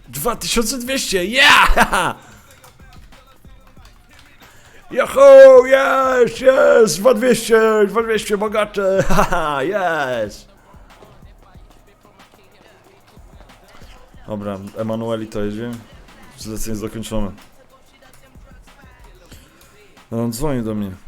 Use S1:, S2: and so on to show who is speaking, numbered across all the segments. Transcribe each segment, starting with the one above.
S1: 2200, yeah! Yahoo, yes, yes, 2200, bogacze, haha, yes! Dobra, Emanueli to jedzie. Zlecenie zakończone. No, on dzwoni do mnie.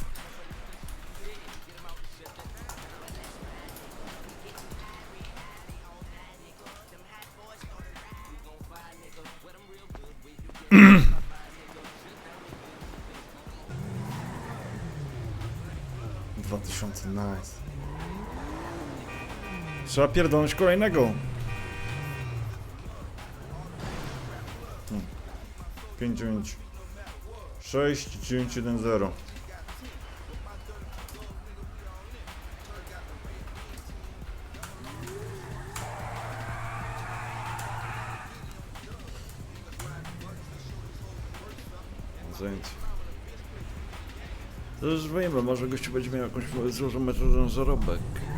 S1: Nice. Trzeba pierdolnąć kolejnego. 596-910. Zajęcie. To już wiem, może gościu będzie miał jakąś złożoną metodę na zarobek.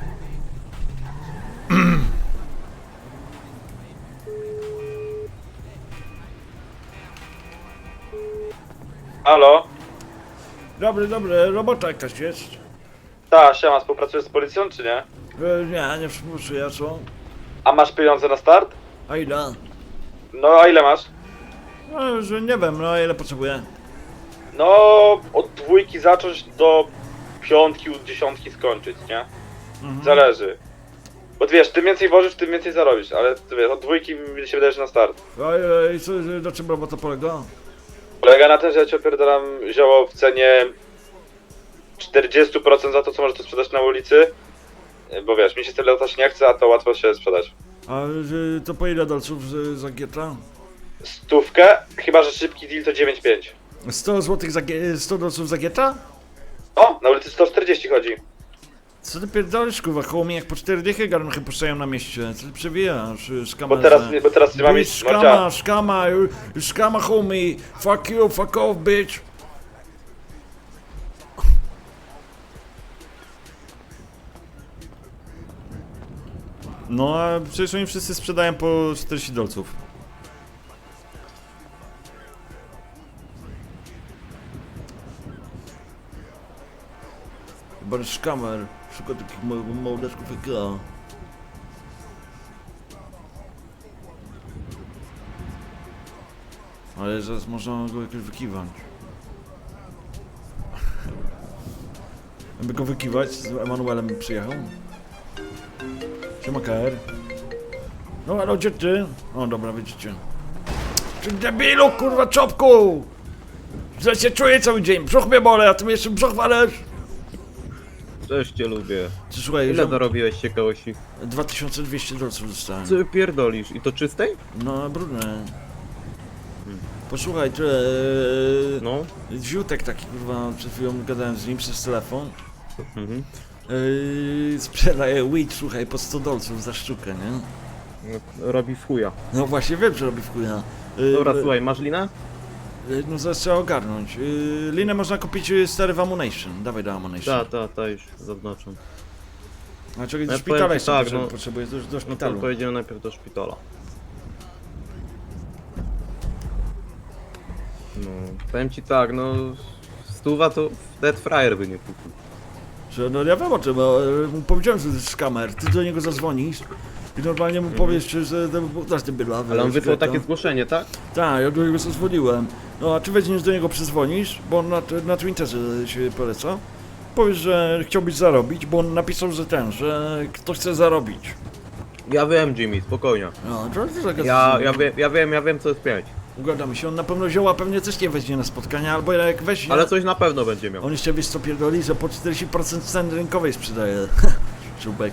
S2: Halo?
S1: Dobry, robota jakaś jest?
S2: Ta, siema, współpracujesz z policją, czy nie?
S1: Nie współpracuję, co?
S2: A masz pieniądze na start?
S1: A ile?
S2: No, a ile masz?
S1: No, że nie wiem, no ile potrzebuję.
S2: No, od 2 zacząć do 5, 10 skończyć, nie? Zależy. Bo ty wiesz, tym więcej wożysz, tym więcej zarobisz, ale ty wiesz, od 2 mi się wydaje, że na start.
S1: I co, na czym robota polega?
S2: Polega na tym, że ja ci opierdalam zioło w cenie 40% za to, co możesz to sprzedać na ulicy. Bo wiesz, mi się tyle latać nie chce, a to łatwo się sprzedać.
S1: A to po ile dolców za gieta?
S2: 100, chyba że szybki deal to 9,5.
S1: 100 zł 100 dolców za gieta?
S2: O, na ulicy 140 chodzi.
S1: Co ty pierdolisz, kurwa, koło mnie jak po 4 dychy garnchy puszczają na mieście. Co ty przewijasz, szkama?
S2: Bo teraz nie mam
S1: Bitch,
S2: iść, mordzia.
S1: szkama, homie. Fuck you, fuck off, bitch.
S3: No a przecież oni wszyscy sprzedają po 40 dolców.
S1: Chyba szkamer. Szuka takich małodeczków jak ja. Ale zaraz można go jakoś wykiwać. Aby go wykiwać, z Emanuelem przyjechał. Siema KR. No ale gdzie ty? O dobra, widzicie. Ty debilu, kurwa, czopku! Źle się czuję cały dzień, brzuch mnie bole, a ty mi jeszcze brzuch walesz?
S4: Też cię lubię.
S1: Ty słuchaj,
S4: Ile zarobiłeś ciekawości?
S1: 2200 dolców dostałem.
S4: Co pierdolisz? I to czystej?
S1: No, brudne. Posłuchaj, ty,
S4: No.
S1: Ziutek taki, kurwa, przed chwilą gadałem z nim przez telefon.
S4: Mhm.
S1: Sprzedaje weed, słuchaj, po 100 dolców za sztukę, nie?
S4: No, robi w chuja.
S1: No właśnie wiem, że robi w chuja.
S4: Dobra, słuchaj, masz linę?
S1: No zaraz trzeba ogarnąć. Linę można kupić stary w Ammunition. Dawaj do Ammunition.
S4: Ta, już zaznaczam.
S1: A czekaj, do
S4: Ja
S1: szpitala
S4: powiem ci
S1: jeszcze
S4: tak, no.
S1: potrzebuję, do
S4: No to
S1: szpitalu.
S4: pojedziemy najpierw do szpitala. No, powiem ci tak, no... Stuwa to Dead Fryer by nie kupił.
S1: Że, no ja wiem o tym, bo mu powiedziałem, że to jest skamer. Ty do niego zadzwonisz i normalnie mu powiesz, że dasz ten bydlawy.
S4: Ale on wysłał takie zgłoszenie, tak?
S1: Tak, ja do niego zadzwoniłem. No a ty weźmiesz do niego przyzwonisz, bo on na Twitterze się poleca. Powiesz, że chciałbyś zarobić, bo on napisał, że że ktoś chce zarobić.
S4: Ja wiem, Jimmy, spokojnie.
S1: No, to jest taka
S4: Ja wiem co jest pięć.
S1: Ugadamy się, on na pewno zioła pewnie też nie weźmie na spotkania, albo jak weźmie...
S4: Ale coś na pewno będzie miał.
S1: On jeszcze wiesz co pierdoli, że po 40% ceny rynkowej sprzedaje. Czubek.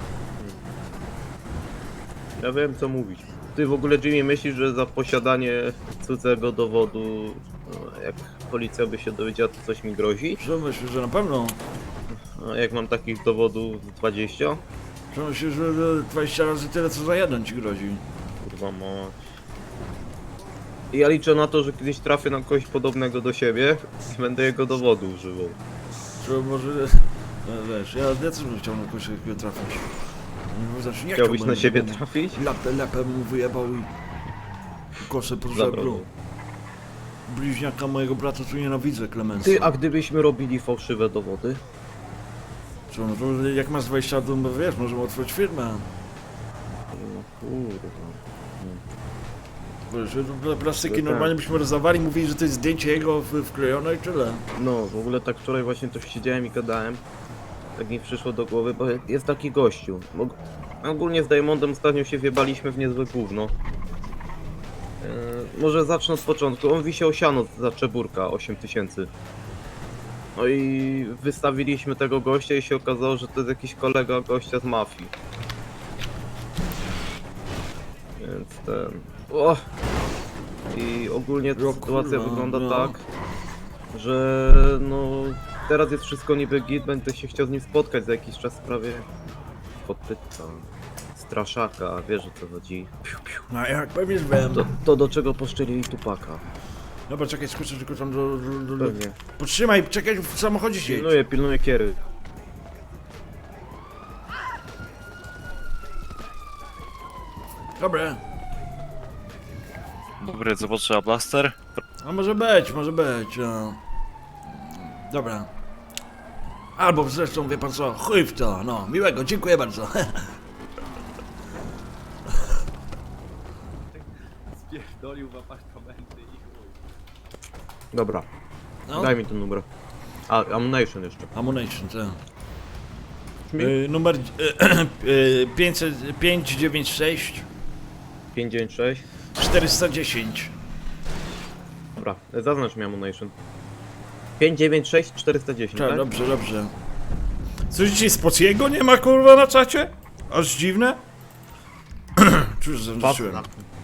S4: Ja wiem co mówić. Ty w ogóle, Jimmy, myślisz, że za posiadanie cudzego dowodu, no, jak policja by się dowiedziała, to coś mi grozi?
S1: Co myślisz, że na pewno?
S4: A jak mam takich dowodów 20?
S1: Co myślisz, że 20 razy tyle co za jeden ci grozi?
S4: Kurwa mać. I ja liczę na to, że kiedyś trafię na kogoś podobnego do siebie i będę jego dowodu używał.
S1: Czy może... No, wiesz, ja też bym chciał na kogoś takiego trafić. Znaczy, nie
S4: Chciałbyś
S1: chciałbym,
S4: na siebie
S1: żeby
S4: trafić?
S1: Lepę mu wyjebał i... Kosę po
S4: Zabrał.
S1: żebru. Bliźniaka mojego brata tu nienawidzę, Clemensa.
S4: Ty, a gdybyśmy robili fałszywe dowody?
S1: Co, no to jak masz 20 lat, to wiesz, możemy otworzyć firmę.
S4: No kurwa.
S1: Wiesz, te plastyki
S4: Tak.
S1: normalnie byśmy rozdawali, mówili, że to jest zdjęcie jego wklejone i tyle.
S4: No, w ogóle tak wczoraj właśnie to siedziałem i gadałem. Tak mi przyszło do głowy, bo jest taki gościu. Ogólnie z Diamondem ostatnio się wjebaliśmy w niezłe gówno. Może zacznę od początku. On wisiał siano za Czeburka 8000. No i wystawiliśmy tego gościa i się okazało, że to jest jakiś kolega gościa z mafii. Więc ten... O! I ogólnie ta
S1: O
S4: sytuacja
S1: kurwa,
S4: wygląda
S1: no.
S4: tak, że no teraz jest wszystko niby git, będę się chciał z nim spotkać za jakiś czas w sprawie podpyta, straszaka, wiesz o co chodzi. Piu, piu.
S1: No jak pewnie wiem.
S4: To do czego poszczelili Tupaka.
S1: Dobra, czekaj, skoczę tylko tam do...
S4: Pewnie.
S1: Potrzymaj, czekaj, w samochodzie siedź.
S4: Pilnuję kiery.
S1: Dobra.
S5: Dobry, co potrzeba? Blaster?
S1: No może być, no. Dobra. Albo zresztą, wie pan co, chuj w to, no. Miłego, dziękuję bardzo.
S4: Spierdolił w apartamenty i chuj. Dobra,
S1: No.
S4: daj mi ten numer. A, ammunition jeszcze.
S1: Ammunition, tak.
S4: Mi?
S1: Numer 596
S4: 596.
S1: 410.
S4: Dobra, zaznacz mi ammunition. 596 410,
S1: Tak,
S4: tak?
S1: dobrze, dobrze. Coś dzisiaj z Pociego nie ma, kurwa, na czacie? Aż dziwne? Cóż, zaliczyłem.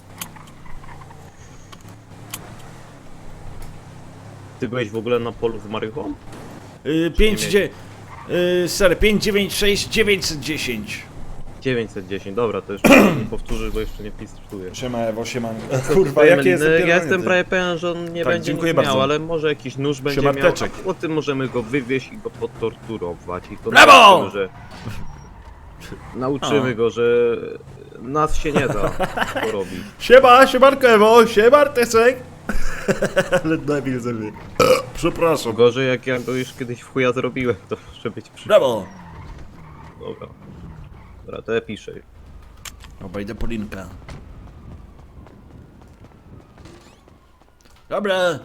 S4: Ty byłeś w ogóle na polu z marychą?
S1: 596 910.
S4: 910, dobra, to już nie powtórzę, bo jeszcze nie pistuję.
S3: Siema Ewo, siema. Kurwa, jakie jest
S4: Ja jestem prawie pewien, że on nie
S3: Tak,
S4: będzie
S3: dziękuję
S4: nic miał,
S3: bardzo.
S4: ale może jakiś nóż będzie
S3: Siema,
S4: miał,
S3: Teczek.
S4: a potem możemy go wywieźć i go potorturować i to
S1: Brawo!
S4: nauczymy, że... Nauczymy go, że nas się nie da to robić.
S1: Siemanko Ewo, Teczek. Ale debil ze mnie. Przepraszam.
S4: Gorzej jak ja go już kiedyś w chuja zrobiłem, to może być przy...
S1: Brawo.
S4: Dobra. Dobra, to ja piszę.
S1: Obejdę po linkę. Dobra.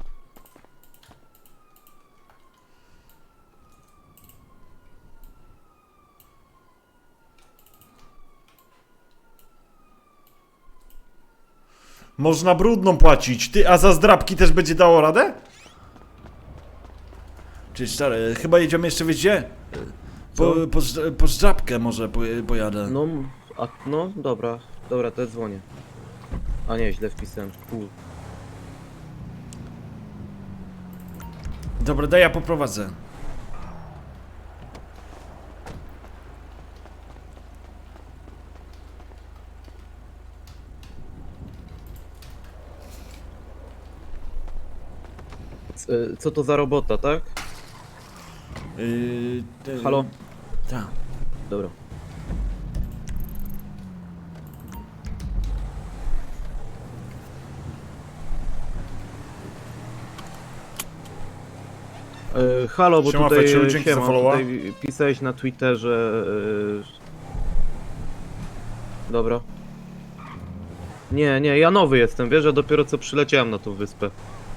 S3: Można brudną płacić. Ty, a za zdrabki też będzie dało radę?
S1: Czyli stary, chyba jedziemy jeszcze, wiesz gdzie? Po zdrabkę może pojadę.
S4: No, dobra, to ja dzwonię. A nie, źle wpisałem, kur...
S1: Dobra, daj ja poprowadzę.
S4: Co to za robota, tak? Halo?
S1: Tak.
S4: Dobra. Halo, bo
S3: Siema,
S4: tutaj,
S3: Feciu, dzięki za followa.
S4: tutaj pisałeś na Twitterze... Dobra. Nie, ja nowy jestem, wiesz, ja dopiero co przyleciałem na tą wyspę.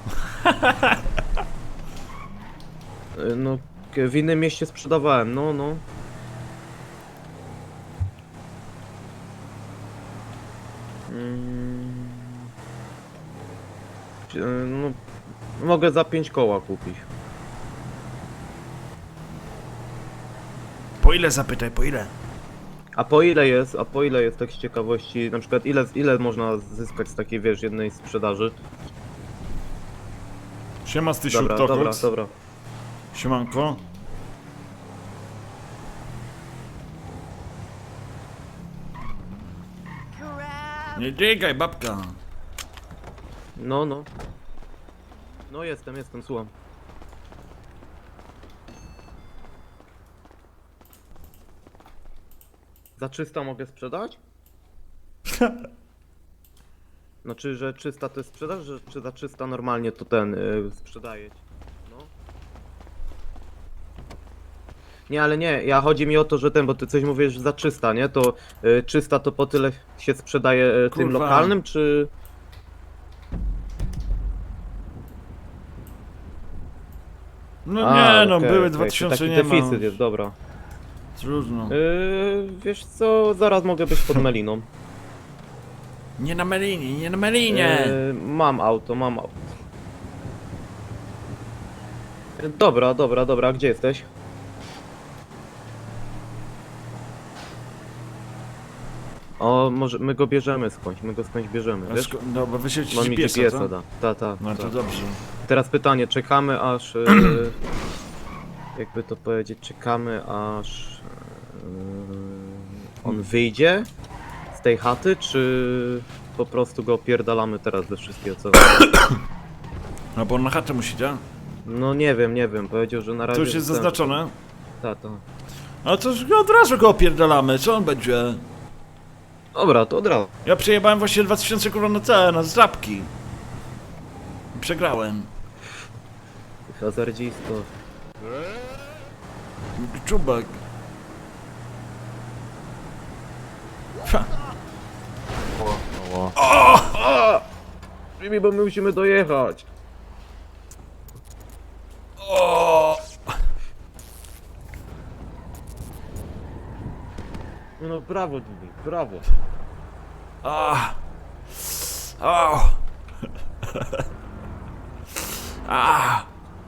S4: No, w innym mieście sprzedawałem, no. No, mogę za 5 koła kupić.
S1: Po ile zapytaj, po ile?
S4: A po ile jest tak z ciekawości, na przykład ile można zyskać z takiej, wiesz, jednej sprzedaży?
S3: Siema Stysiu,
S4: Dobra.
S3: Siemanko.
S1: Nie dźgaj, babka.
S4: No. No jestem, słucham. Za 300 mogę sprzedać? Znaczy, że 300 to jest sprzedaż, że czy za 300 normalnie to ten sprzedaje? No. Nie, ale nie, chodzi mi o to, że bo ty coś mówisz że za 300, nie? To 300 to po tyle się sprzedaje tym
S1: Kurwa.
S4: lokalnym, czy...
S1: No
S4: A,
S1: nie, no
S4: okej,
S1: były
S4: okej,
S1: 2000,
S4: taki
S1: nie ma.
S4: deficyt jest, dobra.
S1: Trudno.
S4: Wiesz co, zaraz mogę być pod Meliną.
S1: Nie na Melinie, nie na Melinie!
S4: Mam auto, mam auto. Dobra, dobra, dobra, gdzie jesteś? O, może my go bierzemy skądś, my go skądś bierzemy, wiesz?
S1: Dobra, wyślijcie
S4: On mi
S1: GPS-a,
S4: GPS-a
S1: co?
S4: da. Ta.
S1: No to dobrze.
S4: Teraz pytanie, czekamy aż... jakby to powiedzieć, czekamy aż... on wyjdzie z tej chaty, czy po prostu go opierdalamy teraz ze wszystkiego co...
S1: No bo on na chatę musi, tak?
S4: No nie wiem, powiedział, że na razie...
S1: To już jest zaznaczone.
S4: Ta.
S1: A to już od razu go opierdalamy, co on będzie?
S4: Dobra, to od razu.
S1: Ja przejebałem właśnie 2000 kurwa na zdrabki. I przegrałem.
S4: Hazardzisto.
S1: Czubek. Ha.
S4: Jimmy, bo my musimy dojechać.
S1: O!
S4: No brawo, Jimmy, brawo.
S1: A! O! A!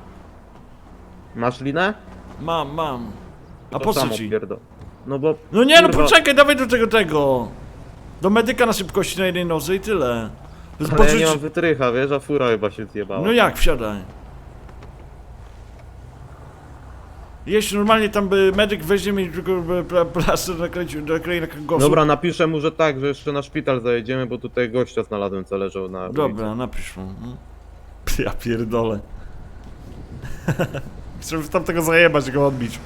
S4: Masz linę?
S1: Mam. A
S4: To
S1: po co
S4: samo
S1: ci?
S4: pierdol. No bo...
S1: No nie, no
S4: kurwa,
S1: poczekaj, dawaj do tego! Do medyka na szybkości na jednej nodze i tyle.
S4: Ale ja nie mam wytrycha, wiesz, a fura chyba się zjebała.
S1: No jak, wsiadaj. Jeśli normalnie tam by medyk weźmie mi tylko plaster naklei na kręgosłup.
S4: Dobra, napiszę mu, że tak, że jeszcze na szpital zajedziemy, bo tutaj gościa znalazłem, co leżał na...
S1: Dobra, napisz mu. no. Ja pierdolę. Chcę tam tego zajebać i go odbić.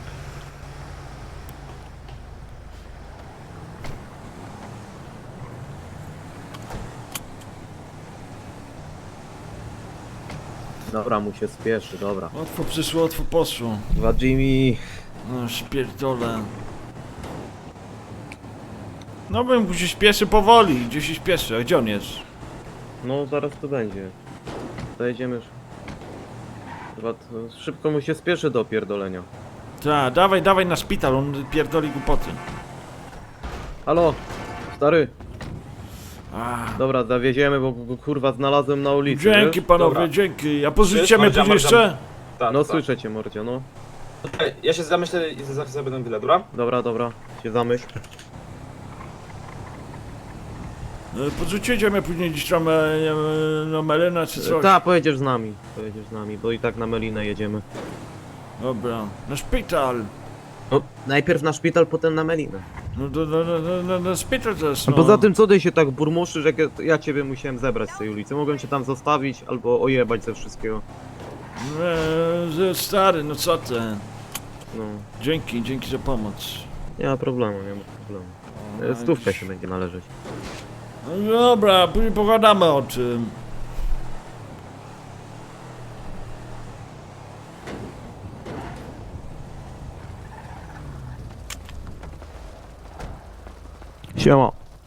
S4: Dobra, mu się spieszy, dobra.
S1: Łatwo przyszło, łatwo poszło.
S4: Dwa Jimmy.
S1: No pierdolę. No bym mu się śpieszy powoli. Gdzie się śpieszy? A gdzie on jest?
S4: No zaraz to będzie. Zajedziemy już. Chyba szybko mu się spieszy do opierdolenia.
S1: Tak, dawaj na szpital, on pierdoli głupoty.
S4: Halo, stary.
S1: A,
S4: Dobra, zawieziemy, bo go kurwa znalazłem na ulicy.
S1: dzięki
S4: wiesz?
S1: panowie,
S5: Dobra.
S1: dzięki. A pozwolicie mnie
S5: Mardzia,
S1: później
S5: Mardzia.
S1: jeszcze?
S5: Tak,
S4: No
S5: tak.
S4: słyszę cię, mordzio, no.
S5: Ej, ja się zamyślę i zaraz sobie będę chwilę, dobra?
S4: Dobra, się zamyśl.
S1: Podrzucicie mnie później gdzieś tam na Melena czy coś.
S4: Tak, pojedziesz z nami, bo i tak na Melinę jedziemy.
S1: Dobra, na szpital.
S4: No, najpierw na szpital, potem na Melinę.
S1: No na szpital też,
S4: A
S1: no.
S4: poza tym, co ty się tak burmuszysz, jak ja ciebie musiałem zebrać z tej ulicy? Mogłem cię tam zostawić, albo ojebać ze wszystkiego.
S1: Stary, no co ty?
S4: No,
S1: Dzięki za pomoc.
S4: nie ma problemu. Stówka się będzie należeć.
S1: No dobra, później pogadamy o tym.
S4: Siema.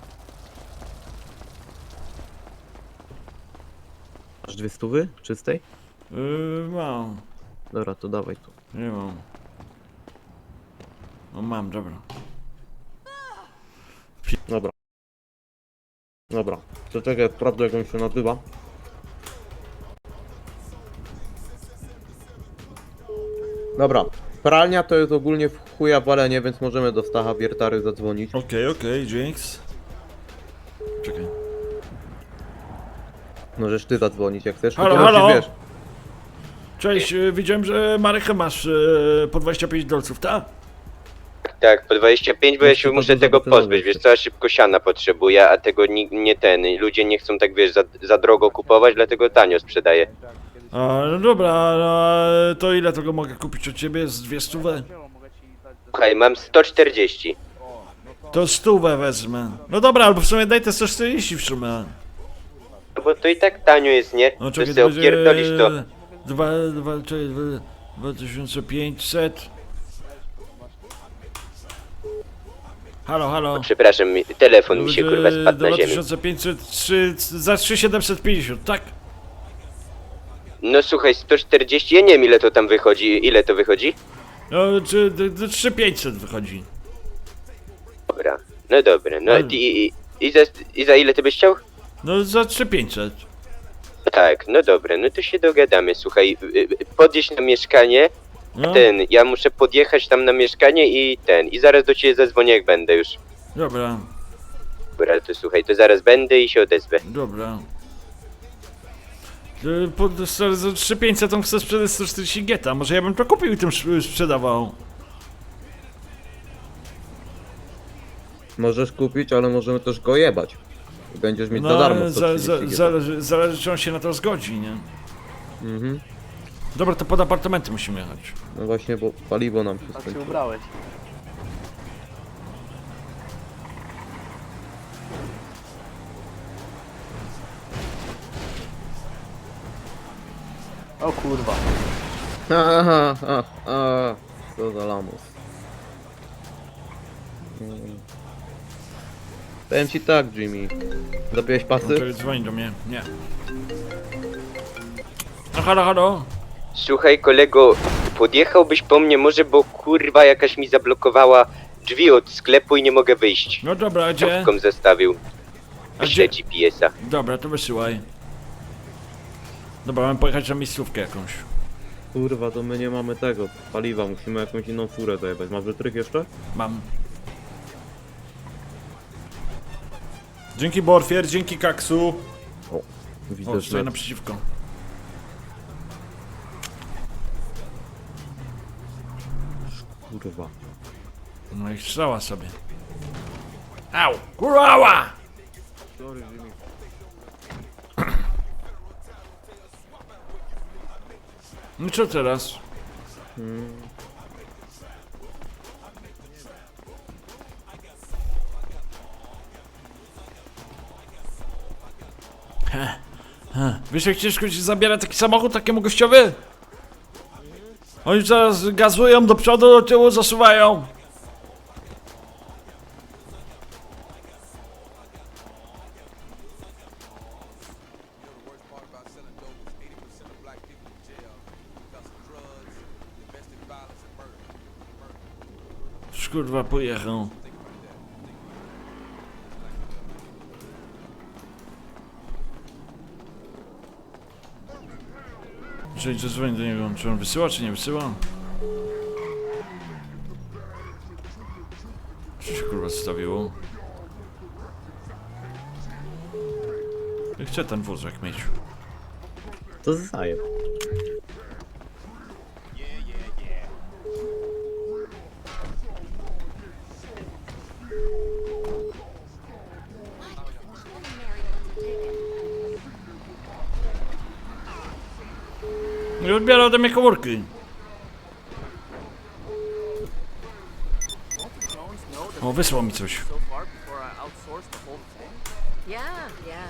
S4: Masz 200 czystej?
S1: Mam.
S4: Dobra, to dawaj tu.
S1: Nie mam. No mam, dobra.
S4: Dobra. To czekaj, sprawdzę jak on się nazywa. Dobra. Pralnia to jest ogólnie w chuja walenie, więc możemy do Stacha Wiertary zadzwonić.
S1: Okej, dzięks. Czekaj.
S4: Możesz ty zadzwonić jak chcesz.
S1: Halo,
S4: tylko musisz,
S1: halo?
S4: wiesz.
S1: Cześć, widziałem, że Marek masz po 25 dolców, tak?
S6: Tak, po 25, bo ja się
S4: to
S6: muszę
S4: dużo
S6: tego
S4: wycenowe
S6: pozbyć, wiesz
S4: jest.
S6: co, ja szybko siana potrzebuję, a tego nie ten, ludzie nie chcą tak, wiesz, za drogo kupować, dlatego tanio sprzedaję.
S1: A, no dobra, no, to ile tego mogę kupić od ciebie? Z 200?
S6: Słuchaj, mam No bo to i tak tanio jest, nie?
S1: No
S6: To
S1: czekaj,
S6: sobie opierdolisz to.
S1: 2500. Halo, halo.
S6: Przepraszam, telefon mi się kurwa spadł na ziemię.
S1: 2503 za 3750, tak?
S6: No słuchaj, 140, ja nie wiem ile to tam wychodzi, ile to wychodzi?
S1: No, czy 3500 wychodzi.
S6: Dobra, no dobra, no
S1: Ale-
S6: i za ile ty byś chciał?
S1: No za 3500.
S6: Tak, no dobra, no to się dogadamy, słuchaj, podjedź na mieszkanie,
S1: No,
S6: ja muszę podjechać tam na mieszkanie i zaraz do ciebie zadzwonię jak będę już.
S1: dobra,
S6: Dobra, to słuchaj, to zaraz będę i się odezwę.
S1: dobra. Za 3500 on chce sprzedać 140 geta, może ja bym to kupił i tym sprzedawał.
S4: Możesz kupić, ale możemy też go jebać. I będziesz mieć za darmo 130 giga.
S1: zależy czy on się na to zgodzi, nie?
S4: Mhm.
S1: Dobra, to pod apartamenty musimy jechać.
S4: No właśnie, bo paliwo nam się
S7: Tak się
S4: skończyło.
S7: ubrałeś. O kurwa.
S4: Aha, co za lamus. Powiem ci tak, Jimmy. Zapiłeś pasy?
S1: Czekaj, dzwoni do mnie, nie. No halo, halo.
S6: Słuchaj kolego, podjechałbyś po mnie może, bo kurwa jakaś mi zablokowała drzwi od sklepu i nie mogę wyjść.
S1: No dobra, a gdzie?
S6: Kropką zostawił.
S1: A gdzie?
S6: Wyślę GPS-a.
S1: Dobra, to wysyłaj. Dobra, mam pojechać na miejscówkę jakąś.
S4: Kurwa, to my nie mamy tego paliwa, musimy jakąś inną furę zajebać. Masz wytrych jeszcze?
S1: Mam.
S3: Dzięki Borfier, dzięki Kaksu.
S4: Widzę,
S1: O,
S4: że...
S1: stoi naprzeciwko.
S4: Kurwa.
S1: No i strzała sobie. Au! Kurwa!
S4: Sorry, Jimmy.
S1: No co teraz? Wiesz jak ciężko się zabiera taki samochód takiemu gościowi? Oni zaraz gazują do przodu, do tyłu zasuwają. Kurwa, pojechał. Czyli zadzwonię do niego, czy on wysyła, czy nie wysyła? Co się kurwa zostawiło? Chcę ten wózek mieć.
S4: To zajeb.
S1: Nie odbiera ode mnie komórki. O, wysłał mi coś.
S8: Yeah, yeah.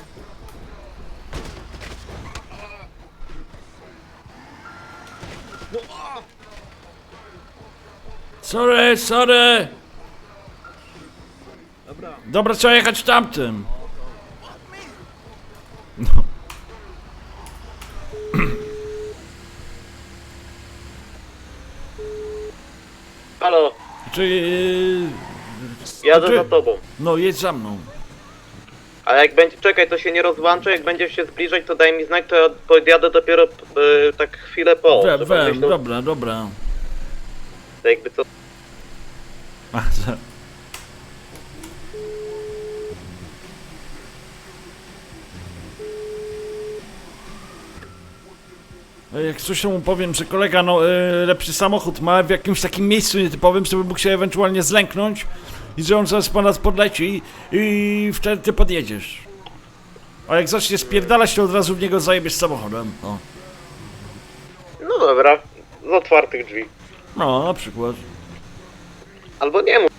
S1: Sorry, sorry! Dobra, trzeba jechać tamtym. No.
S4: Halo,
S1: Czyli...
S4: jadę
S1: Czy-
S4: za tobą.
S1: No, jedź za mną.
S4: A jak będzie, czekaj, to się nie rozłączę, jak będziesz się zbliżać, to daj mi znak, to ja podjadę dopiero tak chwilę po. żeby myślał,
S1: Dobra, dobra.
S4: to jakby co...
S1: A, jak coś mu powiem, że kolega lepszy samochód ma w jakimś takim miejscu nietypowym, żeby mógł się ewentualnie zlęknąć i że on zaraz po nas podleci i wtedy ty podjedziesz. A jak zacznie spierdalać, to od razu w niego zajebiesz samochodem. O.
S4: No dobra, z otwartych drzwi.
S1: No, na przykład.
S4: Albo nie mów.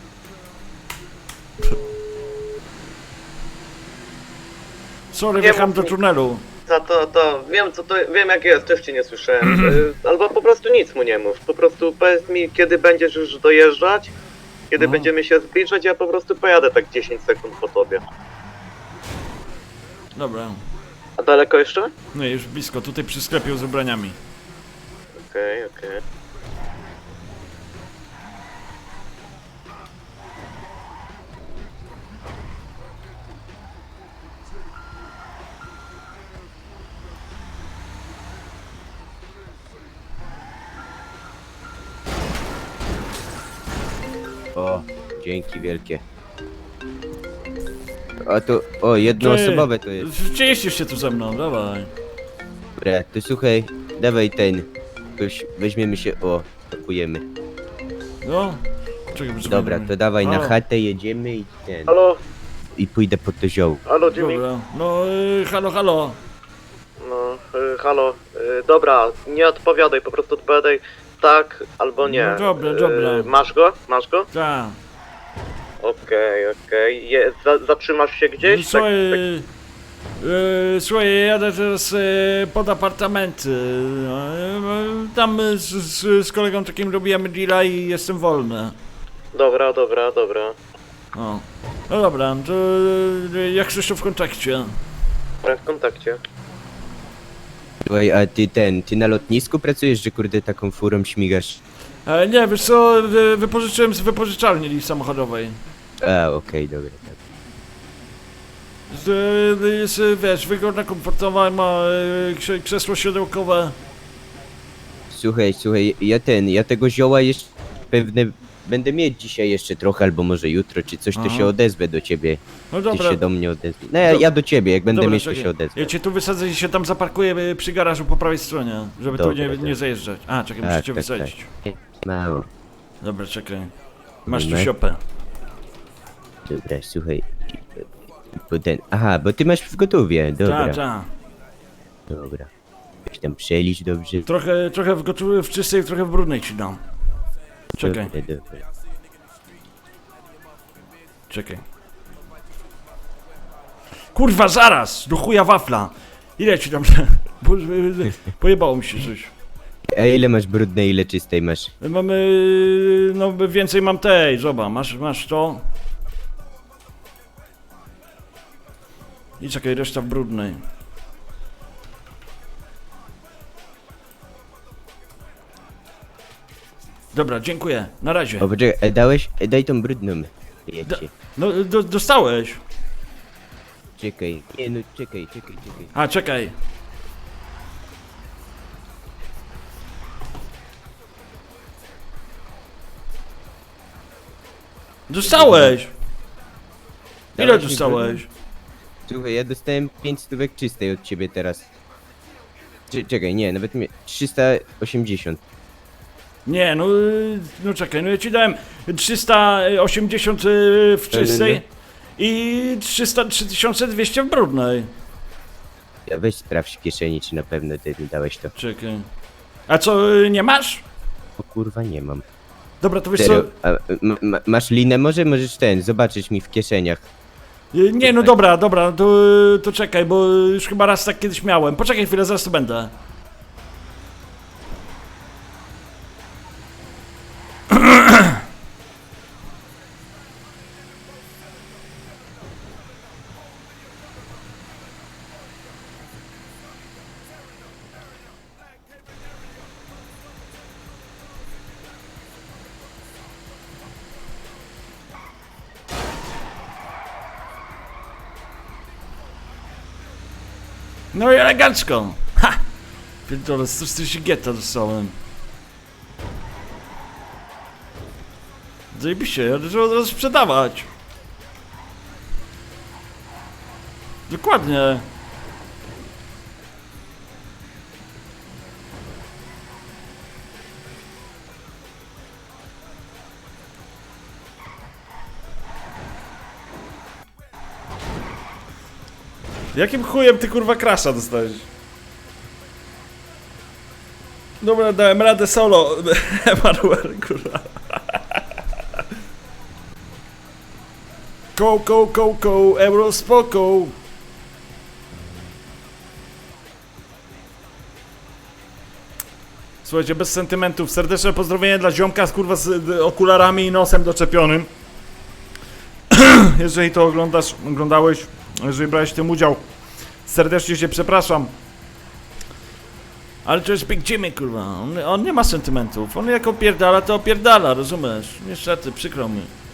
S1: Sorry,
S4: Nie
S1: wjechałem
S4: mów
S1: do
S4: mi.
S1: tunelu.
S4: To wiem co to, wiem jak jest, też cię nie słyszałem. Albo po prostu nic mu nie mów. Po prostu powiedz mi, kiedy będziesz już dojeżdżać, kiedy będziemy się zbliżać, ja po prostu pojadę tak 10 sekund po tobie.
S1: Dobra.
S4: A daleko jeszcze?
S1: No i już blisko, tutaj przy sklepie z ubraniami.
S4: Okej.
S6: O, dzięki wielkie. A to, o, jednoosobowe to jest.
S1: Cieścisz się tu ze mną, dawaj.
S6: Dobra, to słuchaj, dawaj ten. Jakoś weźmiemy się, o, pakujemy.
S1: No. Czekaj, poczekaj.
S6: Dobra, to dawaj na
S1: Halo.
S6: chatę, jedziemy i ten.
S4: Halo,
S6: I pójdę po to zioło.
S4: halo Jimmy.
S1: Dobra. No, halo.
S4: No, halo. Dobra, nie odpowiadaj, po prostu odpowiadaj tak albo nie.
S1: No dobra.
S4: Masz go? Masz go?
S1: Tak.
S4: Okej. Zatrzymasz się gdzieś? Tak,
S1: Słuchaj, słuchaj, jadę teraz pod apartamenty. Tam z kolegą takim robiłem deala i jestem wolny.
S4: Dobra.
S1: O. No dobra, to jak coś to w kontakcie.
S4: W kontakcie.
S6: Słuchaj, a ty na lotnisku pracujesz, że kurde taką furą śmigasz?
S1: Nie, wiesz co, wypożyczyłem z wypożyczalni samochodowej.
S6: A, okej, dobra. Tak.
S1: Jest, wiesz, wygodna, komfortowa, ma krzesło siodełkowe.
S6: Słuchaj, ja tego zioła jeszcze pewne będę mieć dzisiaj jeszcze trochę, albo może jutro, czy coś, to
S1: Aha.
S6: się odezwę do ciebie.
S1: No
S6: Ty
S1: dobra.
S6: się do mnie odezwij. No ja do ciebie, jak będę
S1: Dobra,
S6: mieć, to
S1: czekaj.
S6: się odezwę.
S1: Ja cię tu wysadzę i się tam zaparkuję przy garażu po prawej stronie, żeby tu
S6: Dobra,
S1: nie
S6: dobra.
S1: zajeżdżać. A, czekaj, muszę cię wysadzić.
S6: Mało.
S1: Dobra, czekaj. Masz tu
S6: Moment.
S1: siopę.
S6: Dobra, słuchaj. Aha, bo ty masz w gotowie, dobra.
S1: Tak.
S6: Dobra. Weź tam przelicz dobrze.
S1: Trochę w czystej, trochę w brudnej ci dam. Czekaj,
S6: Dobra.
S1: czekaj. Kurwa, zaraz! Do chuja wafla! Ile ci tam... Pojebało mi się coś.
S6: A ile masz brudnej, ile czystej masz?
S1: Mamy... no więcej mam tej, zobacz, masz to. I czekaj, reszta w brudnej. Dobra, dziękuję, na razie.
S6: O, poczekaj, dałeś? Daj tą brudną. Jedźcie.
S1: No, dostałeś.
S6: Czekaj. Nie no, czekaj.
S1: A, czekaj. Dostałeś! Ile
S6: Dałeś mi
S1: dostałeś?
S6: Słuchaj, ja dostałem 5 stówek czystej od ciebie teraz. Czekaj, nie, nawet 380.
S1: Nie, no czekaj, no ja ci dałem 380 w czystej i 3200 w brudnej.
S6: Ja weź sprawdź w kieszeni, czy na pewno ty mi dałeś to.
S1: Czekaj. A co, nie masz?
S6: O kurwa, nie mam.
S1: Dobra, to wiesz co?
S6: Serio, a, masz linę? Możesz zobaczyć mi w kieszeniach.
S1: Nie, no dobra, to czekaj, bo już chyba raz tak kiedyś miałem. Poczekaj chwilę, zaraz to będę. No i elegancko! Ha! Pierdolę, 140 getta dostałem. Zajebiście, ja to trzeba od razu sprzedawać. Dokładnie. Jakim chujem ty kurwa krasza dostałeś? Dobra, dałem radę solo. Emanuel, kurwa. Euro spoko.
S3: Słuchajcie, bez sentymentów. Serdeczne pozdrowienie dla ziomka z kurwa z okularami i nosem doczepionym. Jeżeli to oglądałeś, jeżeli brałeś w tym udział, serdecznie cię przepraszam.
S1: Ale to jest Big Jimmy, kurwa. On nie ma sentymentów. On jak opierdala, to opierdala, rozumiesz? Niestety, przykro mi.